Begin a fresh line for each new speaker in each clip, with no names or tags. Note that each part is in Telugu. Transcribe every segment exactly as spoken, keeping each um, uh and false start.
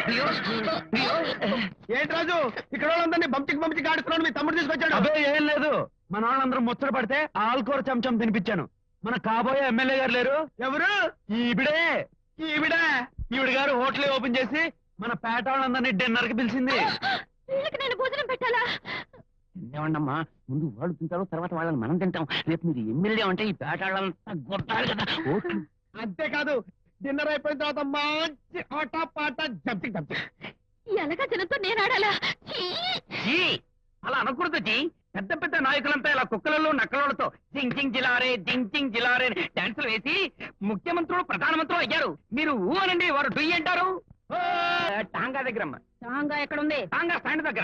ఏంటి రాజు ఇక్కడ వాళ్ళందరినీ బంపికి బంపికి ఆడుతున్నాడు మీ తమ్ముడు తీసుకొచ్చాడు.
అదే ఏం లేదు, మన వాళ్ళందరూ ముచ్చట పడితే ఆల్కూర చెంచం తినిపించాను. మన కాబోయే ఎమ్మెల్యే గారు లేరు?
ఎవరు?
ఈవిడే.
ఈవిడే?
ఈవిడ గారు హోటల్ ఓపెన్ చేసి మన పేట వాళ్ళందరినీ డిన్నర్ కి పిలిచింది.
నేను భోజనం పెట్టాలా?
ఏమండమ్మా, ముందు వాళ్ళు తింటారు, తర్వాత వాళ్ళని మనం తింటాం. రేపు మీరు ఎమ్మెల్యే అంటే ఈ పేట వాళ్ళంతా కొట్టాలి కదా ఓట్లు.
అంతేకాదు డిన్నర్ అయిపోయిన తర్వాత మంచి ఆట పాట జంపింగ్ జంపింగ్.
ఎలాగా జనంతో నేను ఆడాలా?
అలా అనకూడదు జీ. పెద్ద పెద్ద నాయకులంతా ఇలా కుక్కలలో నక్కలతో జింగ్ జింగ్ జిలారే జింగ్ జింగ్ జిలారే డాన్సులు వేసి ముఖ్యమంత్రులు ప్రధానమంత్రులు అయ్యారు. మీరు ఊ అనండి, వారు డుయ్యి అంటారు. టాంగా దగ్గర అమ్మా.
టాంగా ఎక్కడుంది?
టాంగా స్టాండ్ దగ్గర.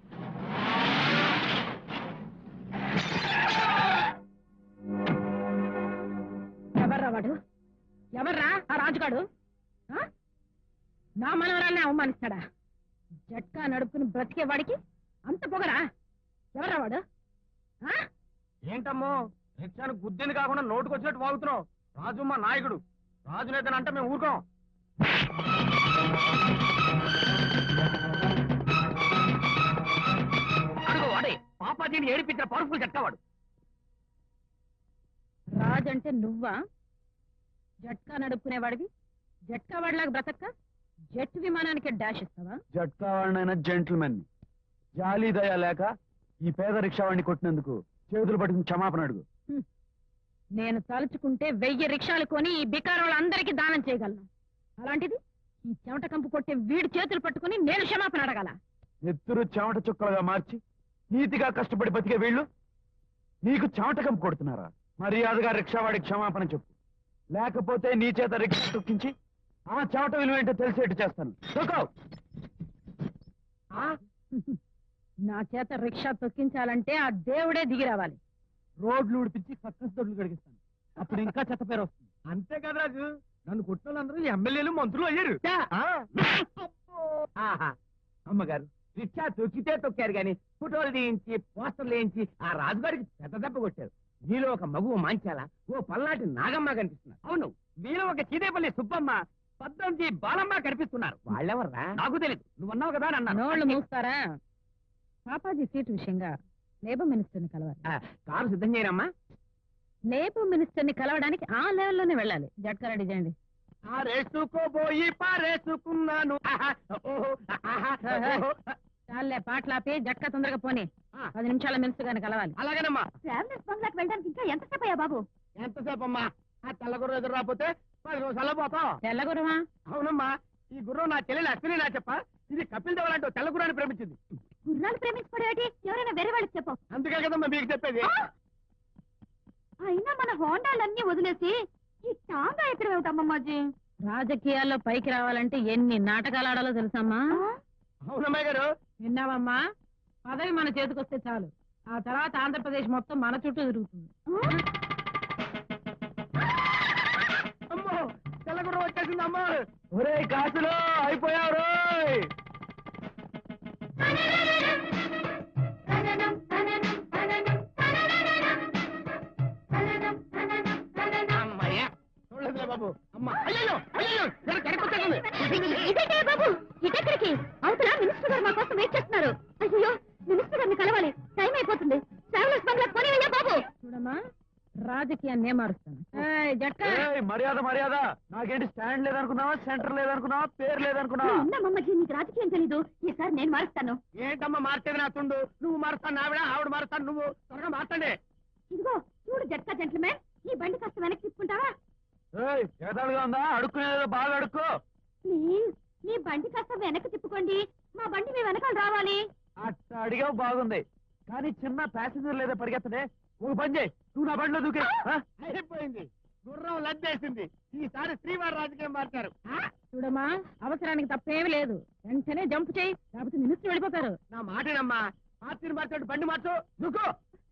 ఎవర్రా వాడు? ఎవర్రా ఆ రాజుగాడు? నా మనవరాల్ని అవమానిస్తాడా? జట్కా నడుపుకుని బ్రతికే వాడికి అంత పొగరా? ఎవర్రా వాడు?
ఏంటమ్మో రిక్షాను గుద్దింది కాకుండా నోటుకు వచ్చినట్టు వాగుతున్నావు. రాజు మా నాయకుడు, రాజు నేతనంటే మేము ఊరుకోం.
అడుగు వాడే పాపాజీని ఏడిపించిన పవర్ఫుల్ జట్కావాడు.
రాజంటే నువ్వా? జట్కా నడుపుకునేవాడివి జట్కా వాడిలాగా బ్రతక్క జెట్ విమానానికి డాష్ ఇస్తావా?
జట్కా వాడినైనా జెంటిల్మెన్. జాలి దయ లేక ఈ పేద రిక్షా వాడిని కొట్టినందుకు చేతులు పట్టుకుని క్షమాపణ అడుగు.
నేను తలుచుకుంటే వెయ్యి రిక్షాలు కొని ఈ బికారోళ్ళందరికీ దానం చేయగలను. అలాంటిది ఈ చెమట కంపు కొట్టే వీడి చేతులు పట్టుకుని నేను క్షమాపణ అడగాల?
నెత్తురు చెమట చుక్కలుగా మార్చి నీతిగా కష్టపడి బతికే వీళ్ళు నీకు చెమట కంపు కొడుతున్నారా? మర్యాదగా రిక్షావాడికి క్షమాపణ చెప్పు, లేకపోతే నీ చేత రిక్షా తొక్కించి ఆ చెమట విలువ ఏంటో తెలిసేట్టు చేస్తాను.
నా చేత రిక్షా తొక్కించాలంటే ఆ దేవుడే దిగి రావాలి.
రోడ్లు ఉడిపించి సక్కస్ దొడ్లు కడిగిస్తాను, అప్పుడు ఇంకా చెత్త పేరు వస్తుంది.
అంతే కదా రాజు, నన్ను కొట్టిన వాళ్ళందరూ ఎమ్మెల్యేలు మంత్రులు అయ్యారు.
అమ్మగారు రిక్షా తొక్కితే తొక్కారు గాని ఫోటోలు తీయించి పోస్టర్లు వేయించి ఆ రాజుగారికి పెద్ద దెబ్బ కొట్టారు. మీలో ఒక మగువ మాంచాల, ఓ పల్నాటి నాగమ్మ కనిపిస్తున్నారు. అవును, మీలో ఒక చీదేపల్లి సుబ్బమ్మ, పద్దంజి బాలమ్మ కనిపిస్తున్నారు. వాళ్ళెవర్రా? నాకు తెలియదు, నువ్వు అన్నావు కదా అని అన్నాను.
నోళ్ళు మూస్తారా? పాపాజీ సీటు విషయంగా లేబర్ మినిస్టర్ ని కలవాలి.
కారు సిద్ధం చేయరమ్మా.
లేబర్ మినిస్టర్ ని కలవడానికి ఆ లెవెల్లోనే వెళ్ళాలి. జట్కా రెడీ చేయండి.
ఆరేసుకోబోయి పారేసుకున్నాను.
చాలే పాటలాపి జట్కా తొందరగా పోనీ. పది నిమిషాల మినిస్టర్ గారిని కలవాలి.
అలాగేనమ్మా.
ట్రావెలర్స్ బంగ్లాకి వెళ్ళడానికి ఇంకా ఎంతసేపు అయ్యా బాబు?
ఎంతసేపు అమ్మా? ఆ తెల్లగుర్రం ఎదురు రాకపోతే పది నిమిషాల్లో పోతాం.
తెల్లగురమా?
అవునమ్మా, ఈ గుర్రం నా చెల్లెలు అశ్విని నా చెప్ప. ఇది కపిల్ దేవ్ లాంటి తెల్ల గుర్రాన్ని ప్రేమించింది.
గుర్రాలు ప్రేమించుకోవడం ఎవరైనా వేరే వాళ్ళకి చెప్పు.
అందుకే కదమ్మా మీకు చెప్పేది.
అయినా మన హోండాలన్నీ వదిలేసి ఈ టాంగా ఎక్కడ వెళ్తామమ్మాజీ? రాజకీయాల్లో పైకి రావాలంటే ఎన్ని నాటకాలు ఆడాలో తెలుసమ్మా?
అవునమ్మాయి గారు.
విన్నావమ్మా? పదవి మన చేతికొస్తే చాలు, ఆ తర్వాత ఆంధ్రప్రదేశ్ మొత్తం మన చుట్టూ తిరుగుతుంది.
అమ్మో, తెల్లగుర్రం వచ్చేసింది అమ్మా.
ఒరే కాసులో అయిపోయావు రోయ్.
చూడలేదులే బాబు. అమ్మా, అయ్యో అయ్యో కరెక్ట్
బాబు, ఇటెక్కడికి? అవతల మినిస్టర్ గారు మా కోసం వెయిట్ చేస్తున్నారు. అయ్యో, మినిస్టర్ గారిని కలవాలి, టైం అయిపోతుంది. ట్రావెలర్స్ బంగ్లా పోనీ బాబు. చూడమ్మా, రాజకీయాన్ని మారుస్తాను.
మర్యాద మర్యాద. నాకేంటి స్టాండ్ లేదనుకున్నావా, సెంటర్ లేదనుకున్నావా, పేరు లేదనుకున్నావా?
మమ్మకి నీకు రాజకీయం తెలీదు. ఈసారి నేను మారుస్తాను.
ఏంటమ్మా మార్చేది? నా తుండు నువ్వు మారుస్తాను, ఆవిడ ఆవిడ మారుస్తాను, నువ్వు త్వరగా మార్చండి.
ఇదిగో చూడు జట్కా జెంట్లమెన్, ఈ బండి కాస్త వెనక్కి తీసుకుంటావా?
ఎగతాళిగా ఉందా? అడుక్కునేదో బాగా అడుక్కో.
ప్లీజ్, మీ బండి కాస్త వెనక్కి తిప్పుకోండి. మా బండి మీ వెనకాల రావాలి.
అట్ట అడిగావు బాగుంది, కానీ చిన్న ప్యాసింజర్ లేదా పరిగెత్తనే. ఒక పని చేయి, నువ్వు నా బండిలో దూకే.
అయిపోయింది, గుర్రం లద్దేసింది. ఈసారి శ్రీవారి రాజకీయం మార్చారు.
చూడమ్మా, అవసరానికి తప్పేమీ లేదు. వెంటనే జంప్ చేయి, లేకపోతే మినిస్టర్ వెళ్ళిపోతారు.
నా మాటేనమ్మా, పార్టీని మార్చాడు, బండి మార్చు, దూకో.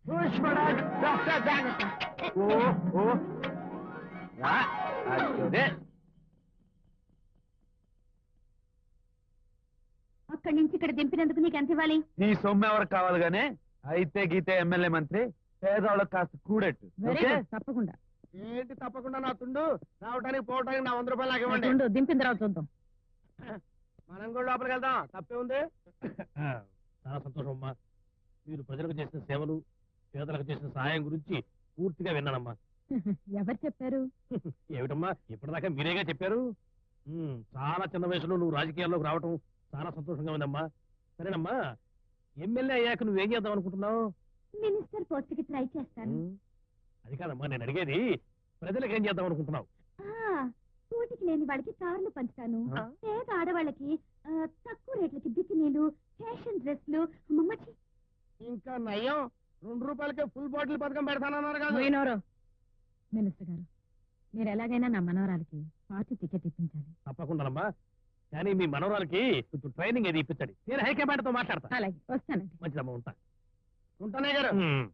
అక్కడి నుంచి ఇక్కడ దింపినందుకు నీకు ఎంత ఇవ్వాలి?
నీ సొమ్ము ఎవరికి కావాలి గానే? అయితే గీతే ఎమ్మెల్యే మంత్రి, పేదవాళ్ళకి కాస్త కూడెట్టు.
తప్పకుండా.
ఏంటి తప్పకుండా? నా తుండు రావడానికి పోవడానికి నా వంద రూపాయలు నాకు ఇవ్వండి.
తుండు దింపిన తర్వాత చూద్దాం.
మనం కూడా లోపలికి వెళ్దాం, తప్పే ఉంది.
చాలా సంతోషం అమ్మా. మీరు ప్రజలకు చేసిన సేవలు, పేదలకు చేసిన సహాయం గురించి పూర్తిగా విన్నానమ్మా.
ఎవరు చెప్పారు?
ఏమిటమ్మా ఇప్పటిదాకా మీరేగా చెప్పారు. ఉమ్, చాలా చిన్న వయసులో నువ్వు రాజకీయాల్లోకి రావటం చాలా సంతోషంగా ఉందమ్మా. సరేనమ్మా, ఎమ్మెల్యే అయ్యాక నువ్వేం చేద్దాం అనుకుంటున్నావు?
మినిస్టర్ పోస్ట్ కి ట్రై చేస్తాను.
ఉమ్, అది కాదమ్మా నేను అడిగేది, ప్రజలకు ఏం చేద్దాం అనుకుంటున్నావు?
కూటికి లేని వాళ్ళకి కార్లు పంచుతాను.
ఆ.
పేద ఆడవాళ్ళకి ఆ, తక్కువ రేట్లకి బికినీలు, ఫ్యాషన్ డ్రెస్లు. అమ్మమ్మచ్చి
ఇంకా నయ్యం, రెండు రూపాయలకే ఫుల్ బాటిల్ పథకం పెడతానన్నారు కదా.
మినిస్టర్ గారు, మీరు ఎలాగైనా నా మనవరాలకి పార్టీ టికెట్ ఇప్పించాలి.
తప్పకుండానమ్మా, కానీ మీ మనవరాలకి కొంచెం ట్రైనింగ్ ఏది ఇప్పించండి. నేను హైకమాండ్ తో మాట్లాడతా.
అలాగే వస్తానండి.
మంచిదమ్మా, ఉంటా.
ఉంటానే గారు.
ఉమ్.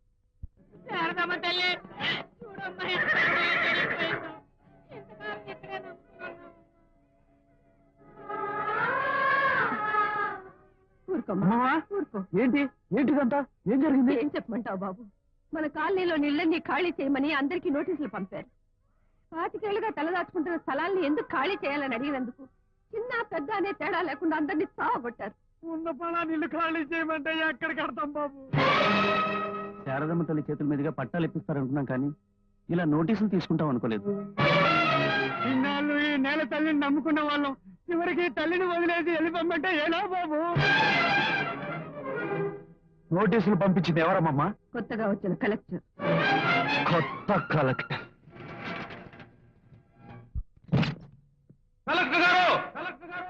ఊరుకోమ్మా, ఊరుకో.
ఏంటి ఏంటిదంతా ఏం జరిగింది?
ఏం చెప్పమంటావు బాబు? మన కాలనీలో నీళ్ళని ఖాళీ చేయమని అందరికీ నోటీసులు పంపారు. పాతికేళ్లుగా తలదాచుకుంటున్న స్థలాల్ని ఎందుకు ఖాళీ చేయాలని అడిగినందుకు చిన్న పెద్ద అనే తేడా లేకుండా అందరినీ సావగొట్టారు.
ఉన్న పొలాన్ని ఇల్లు ఖాళీ చేయమంటే ఎక్కడ కడతాం బాబు?
శారదమ్మ తల్లి చేతుల మీదుగా పట్టాలు ఇప్పిస్తారనుకున్నాం, కానీ ఇలా నోటీసులు తీసుకుంటాం అనుకోలేదు.
ఇన్నాళ్ళు ఈ నేల తల్లిని నమ్ముకున్న వాళ్ళం చివరికి తల్లిని వదిలేసి వెళ్ళిపోమంటే ఎలా బాబు?
నోటీసులు పంపించింది ఎవరమ్మా?
కొత్తగా వచ్చిన కలెక్టర్.
కొత్త కలెక్టర్. కలెక్టర్ గారు! కలెక్టర్ గారు!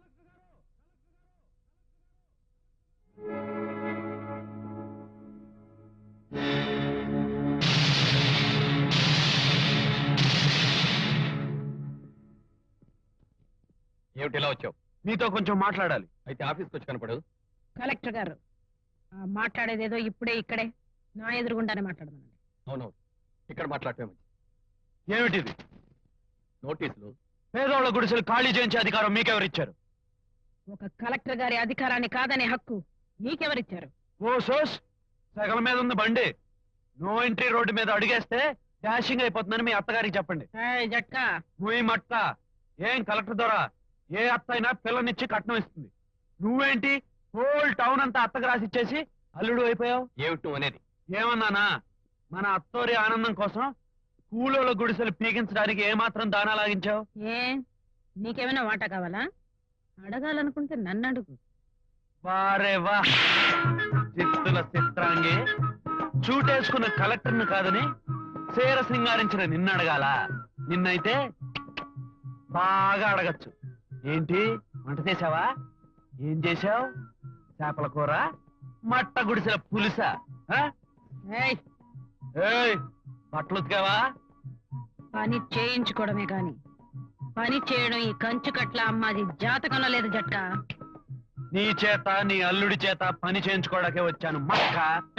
ఏమిటి ఇలా వచ్చావు?
మీతో కొంచెం మాట్లాడాలి.
అయితే ఆఫీస్కి వచ్చి కనపడు.
కలెక్టర్ గారు మాట్లాడేదేదో ఇప్పుడే ఇక్కడే నా ఎదురుగుండానే మాట్లాడమనండి.
అవునవును, ఇక్కడ మాట్లాడటమే మంచిది.
ఏమిటిది?
నోటీసులు
పేదోళ్ళ గుడిసెలు ఖాళీ చేయించే అధికారం మీకెవరిచ్చారు?
ఒక కలెక్టర్ గారి అధికారాన్ని కాదనే హక్కు నీకెవరిచ్చారు?
ఓ సోస్, సగల మీద ఉంది బండి. నో ఎంట్రీ రోడ్డు మీద అడిగేస్తే డాషింగ్ అయిపోతుందని మీ అత్తగారికి చెప్పండి.
జట్కా
నువ్వు మట్ట ఏం కలెక్టర్ ద్వారా ఏ అత్త అయినా పిల్లనిచ్చి కట్నం ఇస్తుంది. నువ్వేంటి హోల్ టౌన్ అంతా అత్తకు రాసిచ్చేసి అల్లుడు అయిపోయావు?
ఏమిటి నువ్వు అనేది?
ఏమన్నానా? మన అత్తోరి ఆనందం కోసం కూలోళ్ళ గుడిసెలు పీకించడానికి ఏమాత్రం దానా లాగించావు?
ఏ నీకేమైనా వాటా కావాలా? అడగాలనుకుంటే నన్ను అడుగు.
వారే వా, చిత్తుల చిత్రాంగి. చూటేసుకున్న కలెక్టర్ను కాదని చీర సింగారించిన నిన్ను అడగాల? నిన్నైతే బాగా అడగచ్చు. ఏంటి వంట చేసావా? ఏం చేశావు? చేపల కూర, మట్ట గుడిసెల పులుసా?
ఏయ్,
ఏయ్, బట్టలు ఉతికావా?
పని చేయించుకోవడమే కాని పని చేయడం ఈ కంచు కట్ల అమ్మాది జాతకంలో లేదు జట్కా.
నీ చేత నీ అల్లుడి చేత పని చేయించుకోవడాకే వచ్చాను మక్క.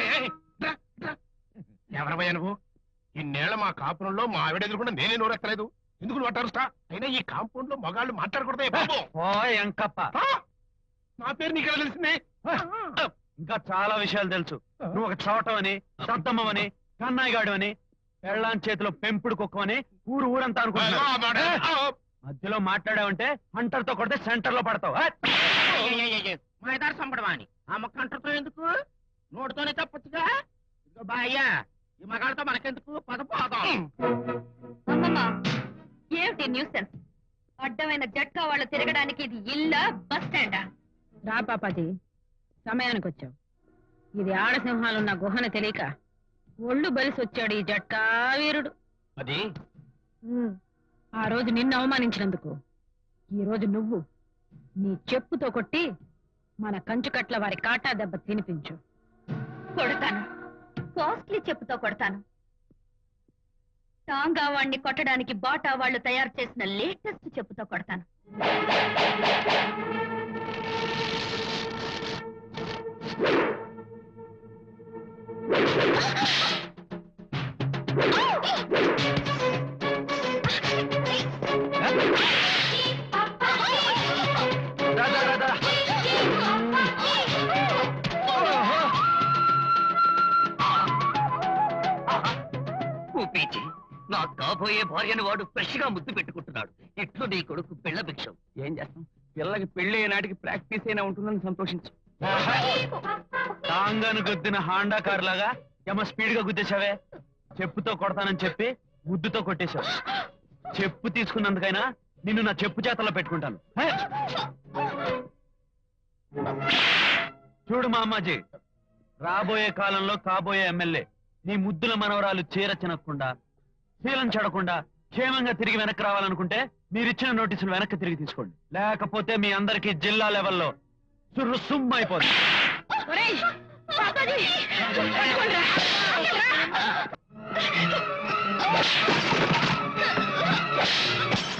ఎవరమయ్యా నువ్వు? ఇన్నేళ్ల మా కాపురంలో మా ఆవిడ ఎదురుకుండా నేనే నోరెత్తలేదు. ఎందుకు నువ్వు అటారుస్తా? అయినా ఈ కాంపౌండ్ లో మగాళ్ళు మాట్లాడకూడదే బాబు.
ఓ ఎంకప్ప,
ఆ! నా పేరు నీకెలా తెలిసింది?
ఇంకా చాలా విషయాలు తెలుసు. నువ్వు ఒక చోటమని, సద్దమ్మని, కన్నాయిగాడు అని, పెళ్ళాం చేతిలో పెంపుడు కుక్కమని ఊరు ఊరంతా
ఆ,
అనుకుంటున్నా.
ఆ, ఆ,
మధ్యలో మాట్లాడావంటే హంటర్ తో కొడితే సెంటర్ లో పడతావు. ఆ!
మా ఇదారు సంపడమా అని ఆ మొక్క అంటతో ఎందుకు? నోటితోనే చెప్పొచ్చుగా. ఇదిగో బాయ్యా, ఈ మగాళ్ళతో మనకెందుకు? పద పోదాం.
అమ్మమ్మ, ఏమిటి న్యూసెన్స్? అడ్డమైన జట్కా వాళ్ళు తిరగడానికి ఇది ఇల్లా, బస్ స్టాండా? రా పాపాజీ, సమయానికి వచ్చావు. ఇది ఆడసింహాలున్న గుహన తెలియక ఒళ్ళు బలిసి వచ్చాడు ఈ జట్కా వీరుడు.
అది
ఆ రోజు నిన్ను అవమానించినందుకు ఈ రోజు నువ్వు నీ చెప్పుతో కొట్టి మన కంచుకట్ల వారి కాటా దెబ్బ తినిపించు. కొడతాను, కాస్ట్లీ చెప్పుతో కొడతాను. టాంగా వాణ్ణి కొట్టడానికి బాటా వాళ్ళు తయారు చేసిన లేటెస్ట్ చెప్పుతో కొడతాను.
రా, రా, రా, రా. ఓహో.
కూపీచి, నా కాబోయే భార్యను వాడు ఫ్రెష్ గా ముద్దు పెట్టుకుంటున్నాడు. ఇట్లు నీ కొడుకు పిల్ల భిక్షం. ఏం చేస్తాం? పిల్లకి పెళ్లి నాటికి ప్రాక్టీస్ అయినా ఉంటుందని సంతోషించు.
టాంగాను గుద్దిన హాండా కార్ లాగా ఏమో స్పీడ్ గా గుద్దేశావే. చెప్పుతో కొడతానని చెప్పి ముద్దుతో కొట్టేశావు. చెప్పు తీసుకున్నందుకైనా నిన్ను నా చెప్పు చేతల్లో పెట్టుకుంటాను. హే! చూడు మా అమ్మాజీ, రాబోయే కాలంలో కాబోయే ఎమ్మెల్యే నీ ముద్దుల మనవరాలు చీర చినకుండా శీలం చెడకుండా క్షేమంగా తిరిగి వెనక్కి రావాలనుకుంటే మీరిచ్చిన నోటీసులు వెనక్కి తిరిగి తీసుకోండి. లేకపోతే మీ అందరికీ జిల్లా లెవెల్లో సుర్రు సుమ్ అయిపోతుంది.
ఒరేయ్, పాపాజీ, పట్టుకోండిరా. రా.